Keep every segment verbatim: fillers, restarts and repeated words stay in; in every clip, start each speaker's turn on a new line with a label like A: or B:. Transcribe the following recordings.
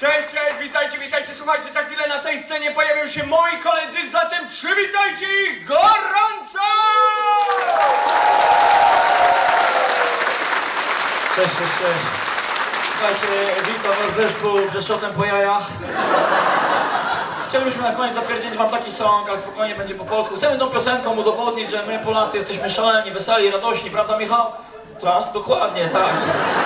A: Cześć, cześć, witajcie, witajcie, słuchajcie, za chwilę na tej scenie pojawią się moi koledzy, zatem przywitajcie ich gorąco!
B: Cześć, cześć, cześć. Słuchajcie, witam was zespół Brzeszotem po jajach. Chcielibyśmy na koniec zapierdzielić wam taki song, ale spokojnie będzie po polsku. Chcemy tą piosenką udowodnić, że my Polacy jesteśmy szaleni, weseli, radośni, prawda Michał?
A: Co?
B: Dokładnie, tak.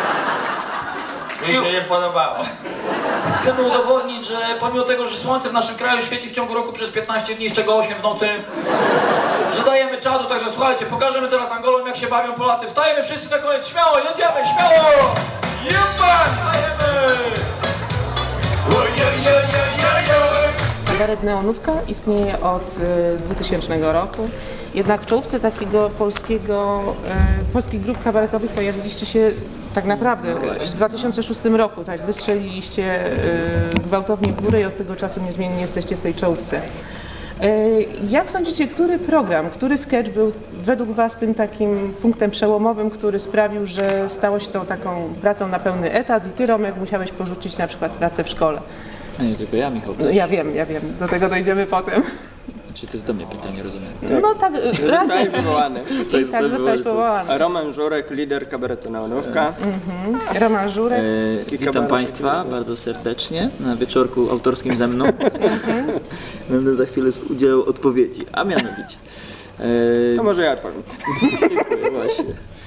A: Mi się nie podobało.
B: Chcemy udowodnić, że pomimo tego, że słońce w naszym kraju świeci w ciągu roku przez piętnaście dni, z czego osiem w nocy, że dajemy czadu, także słuchajcie, pokażemy teraz Angolom, jak się bawią Polacy. Wstajemy wszyscy na koniec, śmiało, jedziemy, śmiało!
A: Jupan!
B: Wstajemy!
C: Kabaret Neonówka istnieje od y, dwutysięcznego roku, jednak w czołówce takiego polskiego, y, polskich grup kabaretowych pojawiliście się tak naprawdę w dwa tysiące szóstym roku, tak, wystrzeliliście y, gwałtownie w górę i od tego czasu niezmiennie jesteście w tej czołówce. Y, jak sądzicie, który program, który sketch był według was tym takim punktem przełomowym, który sprawił, że stało się tą taką pracą na pełny etat i ty, Romek, musiałeś porzucić na przykład pracę w szkole?
D: A nie tylko ja, Michał.
C: No, ja wiem, ja wiem, do tego dojdziemy potem.
D: Czy to jest do mnie pytanie, rozumiem?
C: No tak,
E: Zostałem
C: razem.
E: wywołany.
C: I tak zostałeś powołany.
E: Roman Żurek, lider kabaretu Neonówka.
C: Roman Żurek.
D: E, witam Państwa bardzo serdecznie na wieczorku autorskim ze mną. Będę za chwilę udzielał odpowiedzi, a mianowicie. E,
E: To może ja odpowiem.
D: dziękuję, właśnie.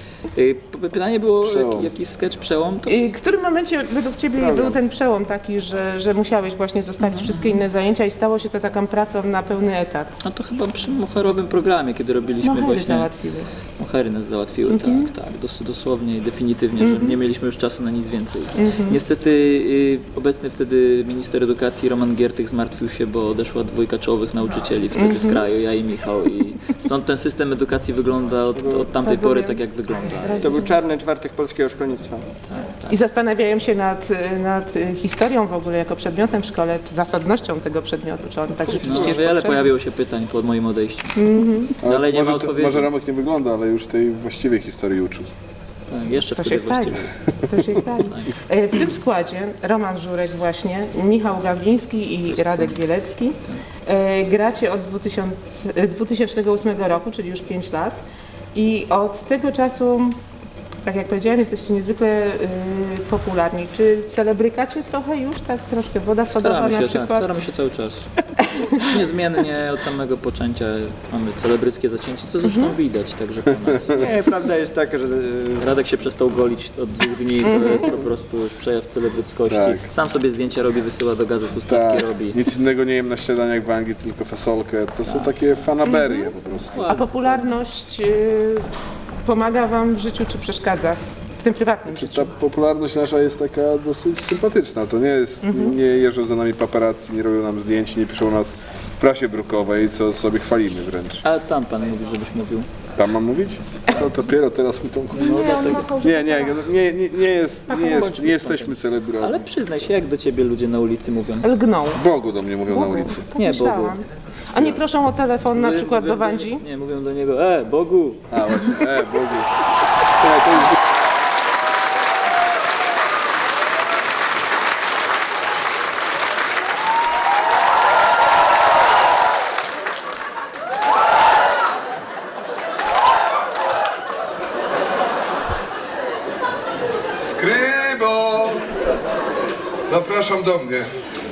D: E, pytanie było,
E: Przełom.
D: jaki sketch przełom? To...
C: I w którym momencie według Ciebie był ten przełom taki, że, że musiałeś właśnie zostawić wszystkie inne zajęcia i stało się to taką pracą na pełny etat?
D: No to chyba przy moherowym programie, kiedy robiliśmy
C: Mohery
D: właśnie...
C: załatwiły.
D: Mohery nas załatwiły,
C: Mhm.
D: tak, tak, dos dosłownie i definitywnie, że nie mieliśmy już czasu na nic więcej. Niestety y, obecny wtedy minister edukacji Roman Giertych zmartwił się, bo odeszła dwójka czołowych nauczycieli wtedy w kraju, ja i Michał, i stąd ten system edukacji wygląda od, od tamtej
C: Rozumiem.
D: pory tak, jak wygląda.
E: To był czarny czwartek polskiego szkolnictwa.
C: I zastanawiają się nad, nad historią w ogóle jako przedmiotem w szkole, czy zasadnością tego przedmiotu, czy on tak
D: No,
C: rzeczywiście jest
D: wiele
C: potrzebny?
D: pojawiło się pytań po moim odejściu. Dalej nie ma
F: może, to,
D: odpowiedzi.
F: może Romek nie wygląda, ale już tej właściwej historii uczył.
D: Tak, jeszcze
C: To
D: wtedy
C: się chwali.
D: właściwie.
C: To się chwali. E, W tym składzie Roman Żurek właśnie, Michał Gawliński i Radek Bielecki. E, Gracie od dwa tysiące ósmego roku, czyli już pięć lat. I od tego czasu, tak jak powiedziałem, jesteście niezwykle y, popularni. Czy celebrykacie trochę już, tak troszkę woda sodowa
D: Staramy
C: na
D: się, tak,
C: przykład?
D: staramy się cały czas. Niezmiennie od samego poczęcia mamy celebryckie zacięcie, co zresztą
C: Mhm.
D: widać także po nas.
E: Nie, prawda jest taka, że
D: Radek się przestał golić od dwóch dni, to jest po prostu już przejaw celebryckości.
F: Tak.
D: Sam sobie zdjęcia robi, wysyła do gazet, ustawki
F: Tak,
D: robi.
F: nic innego nie jem na śniadaniach w Anglii, tylko fasolkę. To są takie fanaberie po prostu.
C: A popularność y, pomaga wam w życiu, czy przeszkadza? W tym prywatnym życiu?
F: Ta popularność nasza jest taka dosyć sympatyczna. To nie jest, nie jeżdżą za nami paparazzi, nie robią nam zdjęć, nie piszą nas w prasie brukowej, co sobie chwalimy wręcz.
D: A tam pan mówi, żebyś mówił.
F: Tam mam mówić? To dopiero teraz mi to...
D: No dlatego.
F: Nie, nie, nie, nie, nie, jest, nie, jest, nie jesteśmy celebrami.
D: Ale przyznaj się, jak do ciebie ludzie na ulicy mówią.
C: Lgną.
F: Bogu do mnie mówią na ulicy.
C: Tak
D: Nie,
C: myślałam.
D: Bogu.
C: A nie proszą o telefon na
D: Mówią-
C: przykład
D: mówią
C: do Wandzi?
D: Nie, mówią do niego, e, Bogu.
F: A właśnie, e, Bogu. Nie, to jest...
G: Skrybo! Zapraszam do mnie.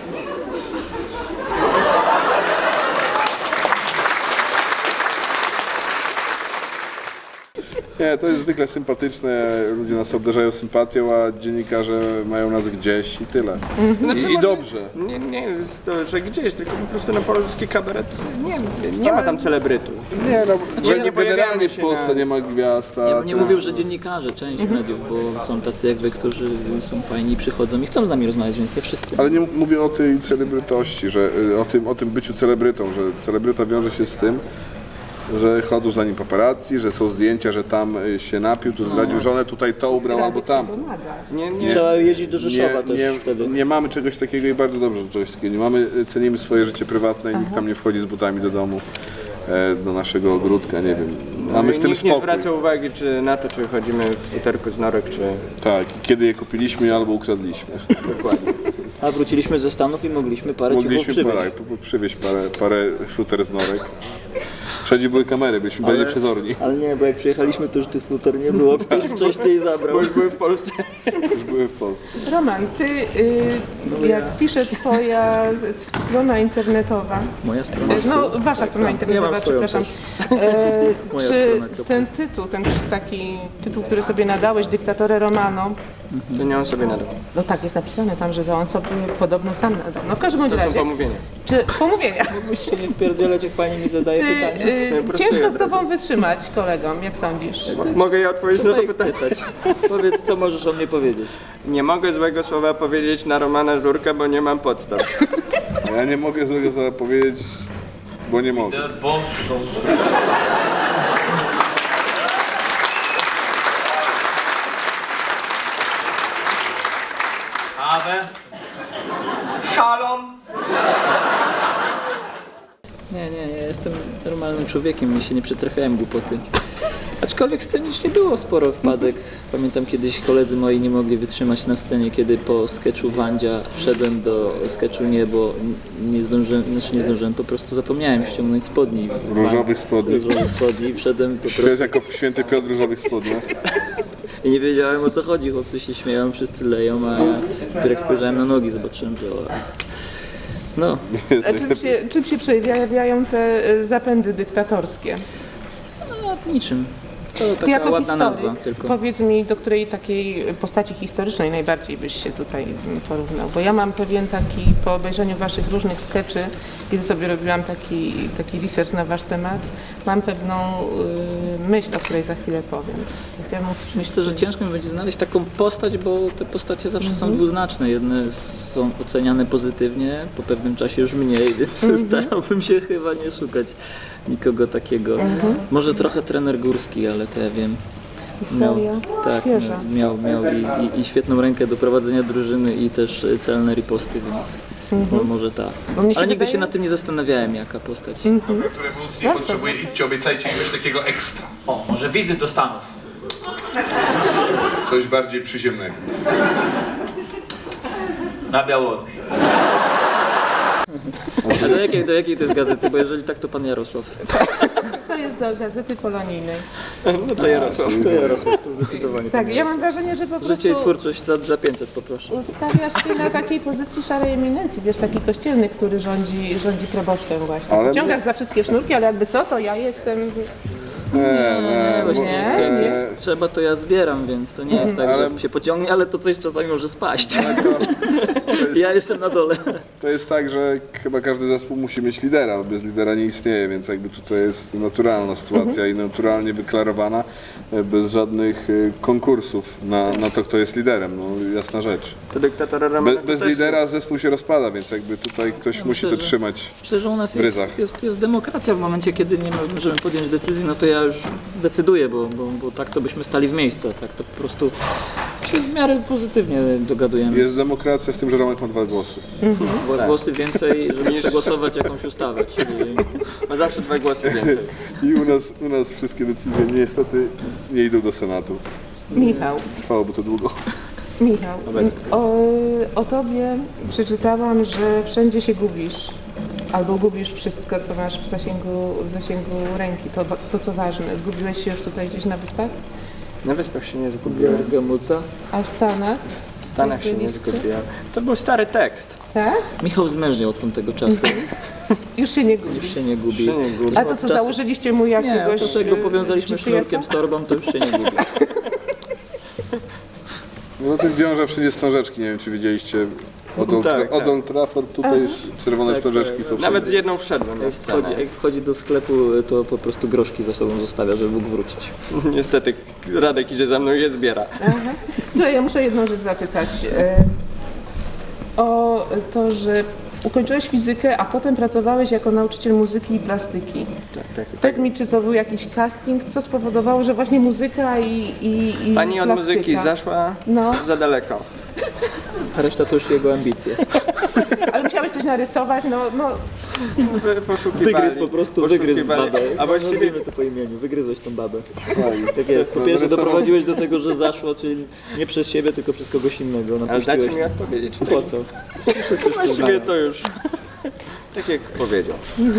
F: Nie, to jest zwykle sympatyczne, ludzie nas obdarzają sympatią, a dziennikarze mają nas gdzieś i tyle.
E: Znaczy,
F: I, I
E: może-
F: dobrze.
E: Nie, nie jest to, że gdzieś, tylko po prostu na polski kabaret nie, nie ma tam celebrytów.
F: Nie, no,
E: Znaczy, nie
F: generalnie
E: pojawiamy
F: w
E: się
F: Polsce
E: na-
F: nie ma gwiazd, a
D: Ja bym nie
F: to-
D: mówił, że dziennikarze, część mediów, bo są tacy jak wy, którzy są fajni, przychodzą i chcą z nami rozmawiać, więc nie wszyscy.
F: Ale nie mówię o tej celebrytości, że y, o tym, o tym byciu celebrytą, że celebryta wiąże się z tym, że chodzą za nim paparazzi, że są zdjęcia, że tam y, się napił, tu zdradził żonę, tutaj to ubrał albo tam.
E: Nie, nie.
D: Trzeba jeździć do Rzeszowa
F: Nie,
D: też
F: nie,
D: wtedy.
F: nie mamy czegoś takiego i bardzo dobrze, że czegoś takiego nie mamy. Cenimy swoje życie prywatne i nikt tam nie wchodzi z butami do domu, e, do naszego ogródka, nie wiem. Mamy z tym
E: Nikt nie
F: spokój.
E: zwraca uwagi czy na to, czy chodzimy w futerku z norek, czy...
F: Tak, i kiedy je kupiliśmy albo ukradliśmy.
E: Dokładnie.
D: A wróciliśmy ze Stanów i mogliśmy parę ciuchów
F: Mogliśmy
D: przywieźć.
F: parę, po- po- przywieźć parę, parę futer z norek. Wszędzie były kamery, byliśmy bardziej przezorni.
D: Ale nie, bo jak przyjechaliśmy, to już tych futer nie było, ktoś wcześniej zabrał.
E: Bo już były w Polsce.
F: Już były w Polsce.
C: Roman, ty, y, jak pisze twoja z- strona internetowa,
D: Moja strona.
C: no wasza strona internetowa,
D: mam swoją
C: przepraszam, e,
D: Moja
C: czy
D: strona, kropka.
C: ten tytuł, ten taki tytuł, który sobie nadałeś, Dyktatore Romano,
E: To nie on sobie nadał.
C: no tak jest napisane tam, że to on sobie podobno sam nadał. No w każdym bądź
E: To są
C: razie,
E: pomówienia.
C: czy pomówienia,
D: Się nie wpierdzielać, jak pani mi zadaje
C: czy
D: pytanie.
C: y,
E: prostuję
C: ciężko
E: od
C: z tobą wytrzymać kolegom, jak sądzisz?
E: Mogę ja odpowiedzieć na to
D: Daj
E: pytanie?
D: pytać. Powiedz, co możesz o mnie powiedzieć.
E: Nie mogę złego słowa powiedzieć na Romana Żurka, bo nie mam podstaw.
F: A ja nie mogę złego słowa powiedzieć, bo nie mogę.
B: Kawę.
A: Szalom.
D: Nie, nie, ja jestem normalnym człowiekiem, mi się nie przytrafiałem głupoty. Aczkolwiek scenicznie było sporo wpadek. Pamiętam kiedyś koledzy moi nie mogli wytrzymać na scenie, kiedy po sketchu Wandzia wszedłem do sketchu Nie, bo nie zdążyłem, znaczy nie zdążyłem, po prostu zapomniałem ściągnąć spodni.
F: Różowych spodni.
D: Różowych spodni i wszedłem po prostu
F: Świat jako święty Piotr w różowych spodniach.
D: i nie wiedziałem o co chodzi. Chłopcy się śmieją, wszyscy leją, a ja dopiero jak spojrzałem na nogi, zobaczyłem, że o, no,
C: A czym się, czym się przejawiają te y, zapędy dyktatorskie?
D: no niczym. To
C: Ty
D: taka
C: jako
D: ładna
C: historyk,
D: nazwa tylko.
C: powiedz mi, do której takiej postaci historycznej najbardziej byś się tutaj mm, porównał? Bo ja mam pewien taki, po obejrzeniu waszych różnych skeczy, kiedy sobie robiłam taki, taki research na wasz temat, mam pewną y, myśl, o której za chwilę powiem. Chciałabym usłyszeć,
D: Myślę, że ciężko mi będzie znaleźć taką postać, bo te postacie zawsze są dwuznaczne. Jedne są oceniane pozytywnie, po pewnym czasie już mniej, więc starałbym się chyba nie szukać nikogo takiego. Może trochę trener Górski, ale to ja wiem.
C: historia
D: tak,
C: świeża.
D: miał, miał i, i, i świetną rękę do prowadzenia drużyny i też celne riposty, więc no, może tak.
C: Bo mnie się
D: Ale nigdy
C: wydaje-
D: się nad tym nie zastanawiałem, jaka postać.
G: Jak rewolucji nie potrzebuje, idźcie, obiecajcie coś takiego ekstra.
B: O, może wizyt do Stanów.
G: Coś bardziej przyziemnego.
B: Na Białoruś.
D: A do jakiej, do jakiej to jest gazety? Bo jeżeli tak, to pan Jarosław.
C: To jest do Gazety Polonijnej.
E: No to Jarosław.
D: To Jarosław, to zdecydowanie.
C: Tak, ja mam wrażenie, że po
D: Życie i
C: prostu
D: twórczość za, za pięćset poproszę.
C: ustawiasz się na takiej pozycji szarej eminencji, wiesz, taki kościelny, który rządzi, rządzi proboszczem właśnie.
F: Ale-
C: Ciągasz za wszystkie sznurki, ale jakby co, to ja jestem...
F: Nie, nie, bo,
C: Nie, nie.
F: e,
D: Trzeba to ja zbieram, więc to nie jest tak,
F: Ale-
D: że się pociągnie, ale to coś czasami może spaść.
F: ale to, to, jest,
D: Ja jestem na dole.
F: to jest tak, że chyba każdy zespół musi mieć lidera, bo bez lidera nie istnieje, więc jakby tutaj jest naturalna sytuacja i naturalnie wyklarowana, e, bez żadnych e, konkursów na, na to, kto jest liderem, no jasna rzecz.
E: To dyktatora Romana
F: Be, bez
E: to też-
F: lidera zespół się rozpada, więc jakby tutaj ktoś musi
D: myślę,
F: to
D: że-
F: trzymać.
D: Myślę, że u nas
F: W
D: jest,
F: ryzach.
D: jest, jest demokracja w momencie, kiedy nie możemy podjąć decyzji, no to ja już decyduję, bo, bo, bo tak to byśmy stali w miejscu, a tak to po prostu się w miarę pozytywnie dogadujemy.
F: Jest demokracja z tym, że Romek ma dwa głosy.
D: Dwa głosy więcej, żeby przegłosować jakąś ustawę, czyli
E: Ma zawsze dwa głosy więcej.
F: I u nas, u nas wszystkie decyzje niestety nie idą do Senatu.
C: Michał,
F: Trwałoby to długo.
C: Michał, o, o tobie przeczytałam, że wszędzie się gubisz. Albo gubisz wszystko, co masz w zasięgu, w zasięgu ręki, to, to co ważne. Zgubiłeś się już tutaj gdzieś na wyspach?
E: Na wyspach się nie zgubiłem.
D: Gamuta.
C: A w Stanach?
E: W Stanach się nie
C: Byliście?
E: zgubiłem. To był stary tekst.
C: Tak?
D: Michał zmężniał od tamtego czasu,
C: Już się nie gubisz.
D: już się nie gubi.
E: Się nie gubi.
C: A to co, założyliście mu
D: Nie,
C: jakiegoś...
D: od czasu jak go
C: e,
D: powiązaliśmy
C: G P S-a?
D: sznurkiem z torbą, to już się nie gubi.
F: No ten wiąże wszędzie wstążeczki, nie wiem czy widzieliście. Od Old,
E: Tak,
F: od
E: tak.
F: Old Trafford tutaj już czerwone
D: Tak,
F: wstążeczki
D: tak.
F: są wszędzie.
E: Nawet z jedną wszedłem na
D: Jak wchodzi,
E: scenę.
D: jak wchodzi do sklepu, to po prostu groszki za sobą zostawia, żeby mógł wrócić.
E: Niestety Radek idzie za mną i je zbiera.
C: Aha. Słuchaj, ja muszę jedną rzecz zapytać. E, o to, że ukończyłeś fizykę, a potem pracowałeś jako nauczyciel muzyki i plastyki.
E: Tak, tak, tak.
C: Powiedz mi, czy to był jakiś casting, co spowodowało, że właśnie muzyka i, i, i
E: Pani od
C: plastyka?
E: muzyki zaszła
C: No.
E: za daleko.
D: A reszta to już jego ambicje.
C: Ale musiałeś coś narysować, no, no
E: Poszukiwali.
D: Wygryz po prostu, wygryz
E: poszukiwali.
D: babę.
E: A właściwie
D: Nazwijmy to po imieniu, wygryzłeś tą babę.
F: Tak.
D: Tak jest. Po
F: No,
D: pierwsze
F: narysował-
D: doprowadziłeś do tego, że zaszło, czyli nie przez siebie, tylko przez kogoś innego.
E: Ale
D: Napuściłeś.
E: dajcie mi odpowiedzieć.
D: Po co?
E: Właściwie to już tak jak powiedział.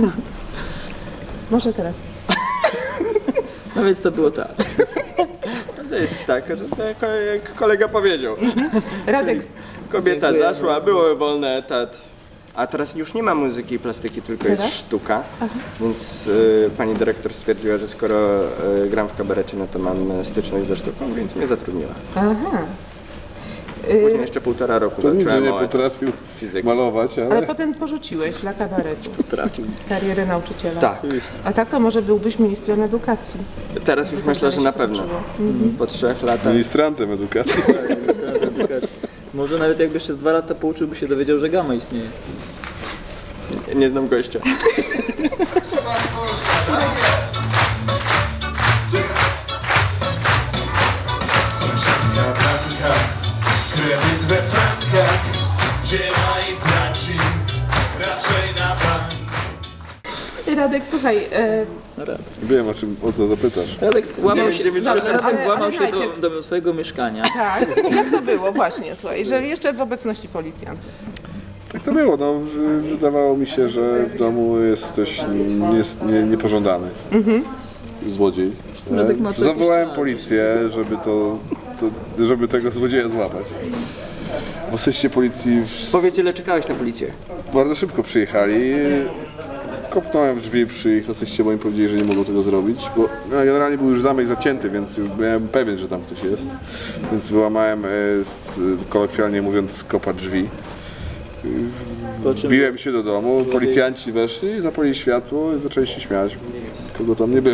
C: może teraz.
D: No więc to było tak.
E: To jest tak, że tak jak kolega powiedział.
C: Radek,
E: Kobieta
D: Dziękuję.
E: zaszła, był wolny etat. A teraz już nie ma muzyki i plastyki, tylko jest
C: Teraz?
E: sztuka. Więc y, pani dyrektor stwierdziła, że skoro y, gram w kabarecie, no to mam styczność ze sztuką, więc mnie zatrudniła.
C: aha.
E: Później jeszcze półtora roku
F: To nic, że
E: walczyłem
F: nie
E: o etat
F: potrafił
E: fizyki.
F: malować, ale...
C: Ale potem porzuciłeś dla kabaretu
D: Trafił.
C: karierę nauczyciela.
E: Tak.
C: A tak to może byłbyś ministrem edukacji.
E: Teraz już myślę, że na pewno. Po trzech latach.
F: Ministrantem edukacji.
D: Może nawet jakby jeszcze z dwa lata pouczył, by się dowiedział, że gamma istnieje.
E: Nie, nie znam gościa.
H: Sąsiadka Blanka, kredyt we frankach, dzieła i traci, raczej na bank.
C: Radek, słuchaj, e,
F: Wiem, o czym, o co zapytasz.
D: Radek włamał się,
E: dziewięć-
C: Dobrze,
D: Radek
C: ale-
D: włamał
C: ale
D: się do,
C: najpierw-
D: do swojego mieszkania.
C: tak, jak to było właśnie, słuchaj, że jeszcze w obecności policjantów.
F: Tak to było, no. w- Wydawało mi się, że w domu jest ktoś nie, nie, niepożądany. Złodziej.
D: Radek ma co
F: Zawołałem
D: jakiś czas.
F: policję, żeby to, to, żeby tego złodzieja złapać. W asyście policji w,
E: Powiedz, ile czekałeś na policję?
F: bardzo szybko przyjechali. Kopnąłem w drzwi przy ich asyście, bo im powiedzieli, że nie mogą tego zrobić, bo no, generalnie był już zamek zacięty, więc już byłem pewien, że tam ktoś jest. Więc wyłamałem, e, z, kolokwialnie mówiąc, z kopa drzwi.
D: Po czym
F: Biłem się do domu, policjanci weszli, zapalili światło i zaczęli się śmiać. Kogo tam nie było.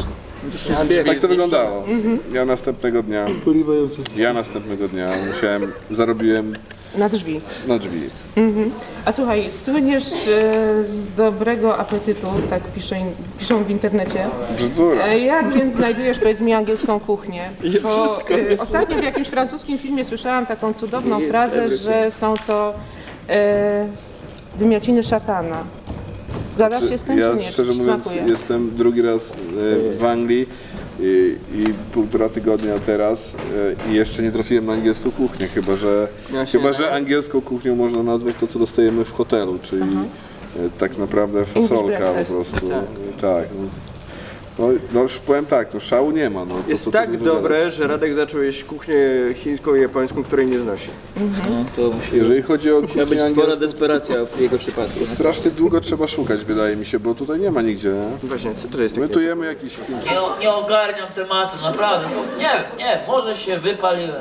F: Tak to wyglądało. Ja następnego dnia, ja następnego dnia musiałem, zarobiłem
C: Na drzwi.
F: na drzwi.
C: A słuchaj, słyniesz e, z dobrego apetytu, tak pisze, piszą w internecie.
F: Bzdura.
C: E, Jak więc znajdujesz, powiedz mi, angielską kuchnię? Bo e, ostatnio w jakimś francuskim filmie słyszałam taką cudowną frazę, że są to e, wymiaciny szatana. Zgadzasz się z tym,
F: Ja
C: czy nie?
F: szczerze
C: Czy ci
F: mówiąc
C: smakuje?
F: jestem drugi raz e, w Anglii i, i półtora tygodnia teraz e, i jeszcze nie trafiłem na angielską kuchnię, chyba że,
E: Ja się
F: chyba,
E: nie
F: że angielską kuchnią można nazwać to, co dostajemy w hotelu, czyli e, tak naprawdę fasolka po
C: breakfast.
F: prostu. Tak. no. No, no już powiem tak, no szału nie ma. No, to,
E: Jest
F: co tu
E: tak
F: dużo
E: dobre,
F: gadać.
E: że Radek zaczął jeść kuchnię chińską i japońską, której nie znosi.
D: No, to musi
F: Jeżeli chodzi o
D: Miała
F: kuchnię
D: być spora
F: angielską,
D: desperacja w jego przypadku.
F: strasznie długo trzeba szukać, wydaje mi się, bo tutaj nie ma nigdzie. Nie?
E: Właśnie, co to jest
F: My
E: takie?
F: tu jemy jakiś...
B: Nie, nie ogarniam tematu, naprawdę. No, nie, nie, może się wypaliłem.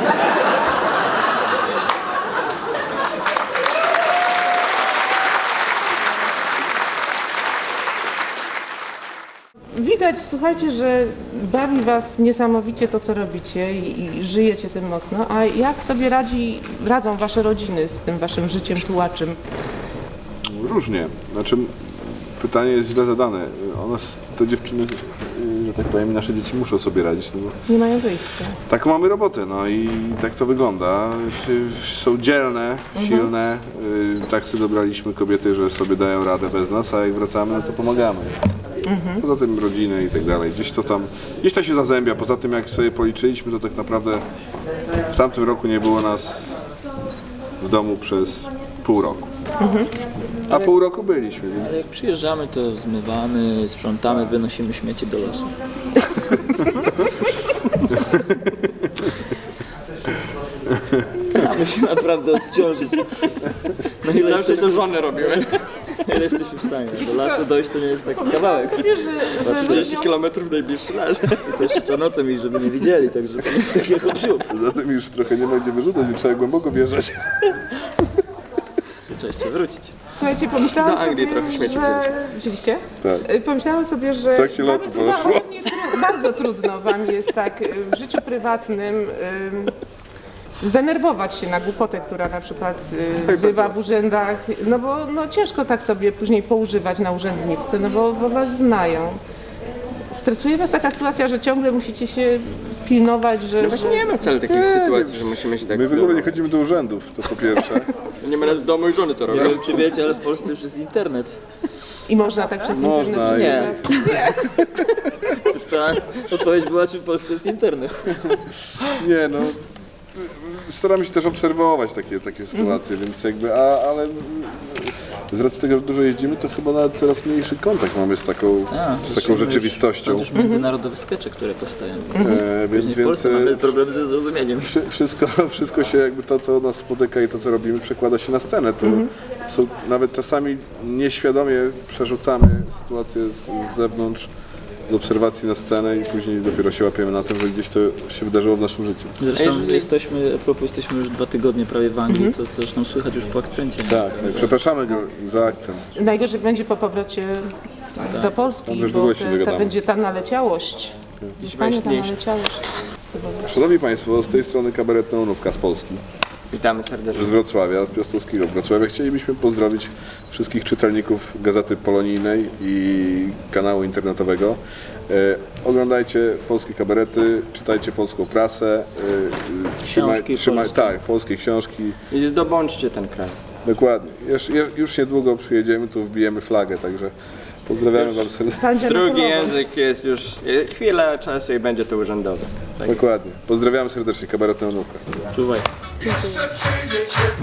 C: Widać, słuchajcie, że bawi was niesamowicie to, co robicie i, i żyjecie tym mocno. A jak sobie radzi, radzą wasze rodziny z tym waszym życiem tułaczym?
F: Różnie. Znaczy, pytanie jest źle zadane. One, te dziewczyny, że tak powiem, nasze dzieci muszą sobie radzić. No bo
C: Nie mają wyjścia.
F: taką mamy robotę, no i tak to wygląda. Są dzielne, silne. Y, Tak sobie dobraliśmy kobiety, że sobie dają radę bez nas, a jak wracamy, no to pomagamy. Poza tym rodziny i tak dalej. Gdzieś to tam, gdzieś to się zazębia. Poza tym, jak sobie policzyliśmy, to tak naprawdę w tamtym roku nie było nas w domu przez pół roku. A pół roku byliśmy, więc
D: Ale jak przyjeżdżamy, to zmywamy, sprzątamy, wynosimy śmieci do lasu. Staramy się naprawdę odciążyć. No ile
E: Zawsze
D: jesteśmy,
E: to żony robiły.
D: ile jesteśmy w stanie. Do lasu dojść to nie jest taki kawałek.
C: Sobie, że, że
E: trzydzieści
C: ludziom,
E: kilometrów najbliższy las.
D: I to jeszcze trzeba nocą iść, żeby nie widzieli, także to nie jest takie hop-siup.
F: poza tym już trochę nie ma gdzie wyrzucać, już trzeba głęboko wjeżdżać.
D: Cześć, wrócić.
C: słuchajcie, pomyślałam
E: Do Anglii
C: sobie,
E: trochę śmieci
C: że... Wzięliście?
F: Tak.
C: Y, Pomyślałam sobie, że
F: W trakcie lotu
C: bardzo,
F: poszło.
C: bardzo, tru- bardzo trudno wam jest tak y, w życiu prywatnym ym, zdenerwować się na głupotę, która na przykład y, bywa w urzędach, no bo no, ciężko tak sobie później poużywać na urzędniczce, no bo, bo was znają. Stresuje was taka sytuacja, że ciągle musicie się pilnować, że...
E: No właśnie
C: że...
E: nie ma wcale takich sytuacji, że musimy się tak...
F: My w ogóle nie chodzimy do urzędów, to po pierwsze.
E: Nie ma nawet domu i żony to
D: Nie
E: robią.
D: wiem, czy wiecie, ale w Polsce już jest internet.
C: I można tak przez
F: Można,
C: internet...
D: Nie. Ta odpowiedź była, czy w Polsce jest internet.
F: Nie no, staramy się też obserwować takie, takie sytuacje, więc jakby, a, ale z racji tego, że dużo jeździmy, to chyba nawet coraz mniejszy kontakt mamy z taką,
D: A,
F: z taką rzeczywistością.
D: To też międzynarodowe skecze, które powstają.
F: E, więc,
D: Później w Polsce
F: więc
D: mamy
F: e,
D: problem ze zrozumieniem.
F: wszy- wszystko, wszystko się jakby to, co nas spotyka i to, co robimy, przekłada się na scenę. To są, nawet czasami nieświadomie przerzucamy sytuację z, z zewnątrz, z obserwacji na scenę i później dopiero się łapiemy na tym, że gdzieś to się wydarzyło w naszym życiu.
D: Zresztą
E: Jeżeli-
D: jesteśmy, a propos, jesteśmy już dwa tygodnie prawie w Anglii, to zresztą słychać już po akcencie.
F: Tak, przepraszamy go za akcent.
C: Najgorzej będzie po powrocie do Polski,
F: Tam już w
C: bo
F: ogóle się
C: te, ta
F: dogadamy.
C: będzie ta naleciałość. Hiszpania, ta naleciałość.
F: Szanowni Państwo, z tej strony kabaret Neonówka z Polski,
E: Witamy serdecznie.
F: z Wrocławia, z Piastowskiego Wrocławia. Chcielibyśmy pozdrowić wszystkich czytelników Gazety Polonijnej i kanału internetowego. E, oglądajcie polskie kabarety, czytajcie polską prasę. E,
D: Książki polskie.
F: Tak, polskie książki.
E: I zdobądźcie ten kraj.
F: Dokładnie. Już, już niedługo przyjedziemy, tu wbijemy flagę, także pozdrawiamy Wam serdecznie.
C: Będzie
E: Drugi
C: na połowę.
E: język jest już e, chwila czasu i będzie to urzędowe. Tak jest.
F: Dokładnie. Pozdrawiamy serdecznie, kabaret Neonówka.
D: Czuwaj.
H: Jeszcze przyjdzie ciepły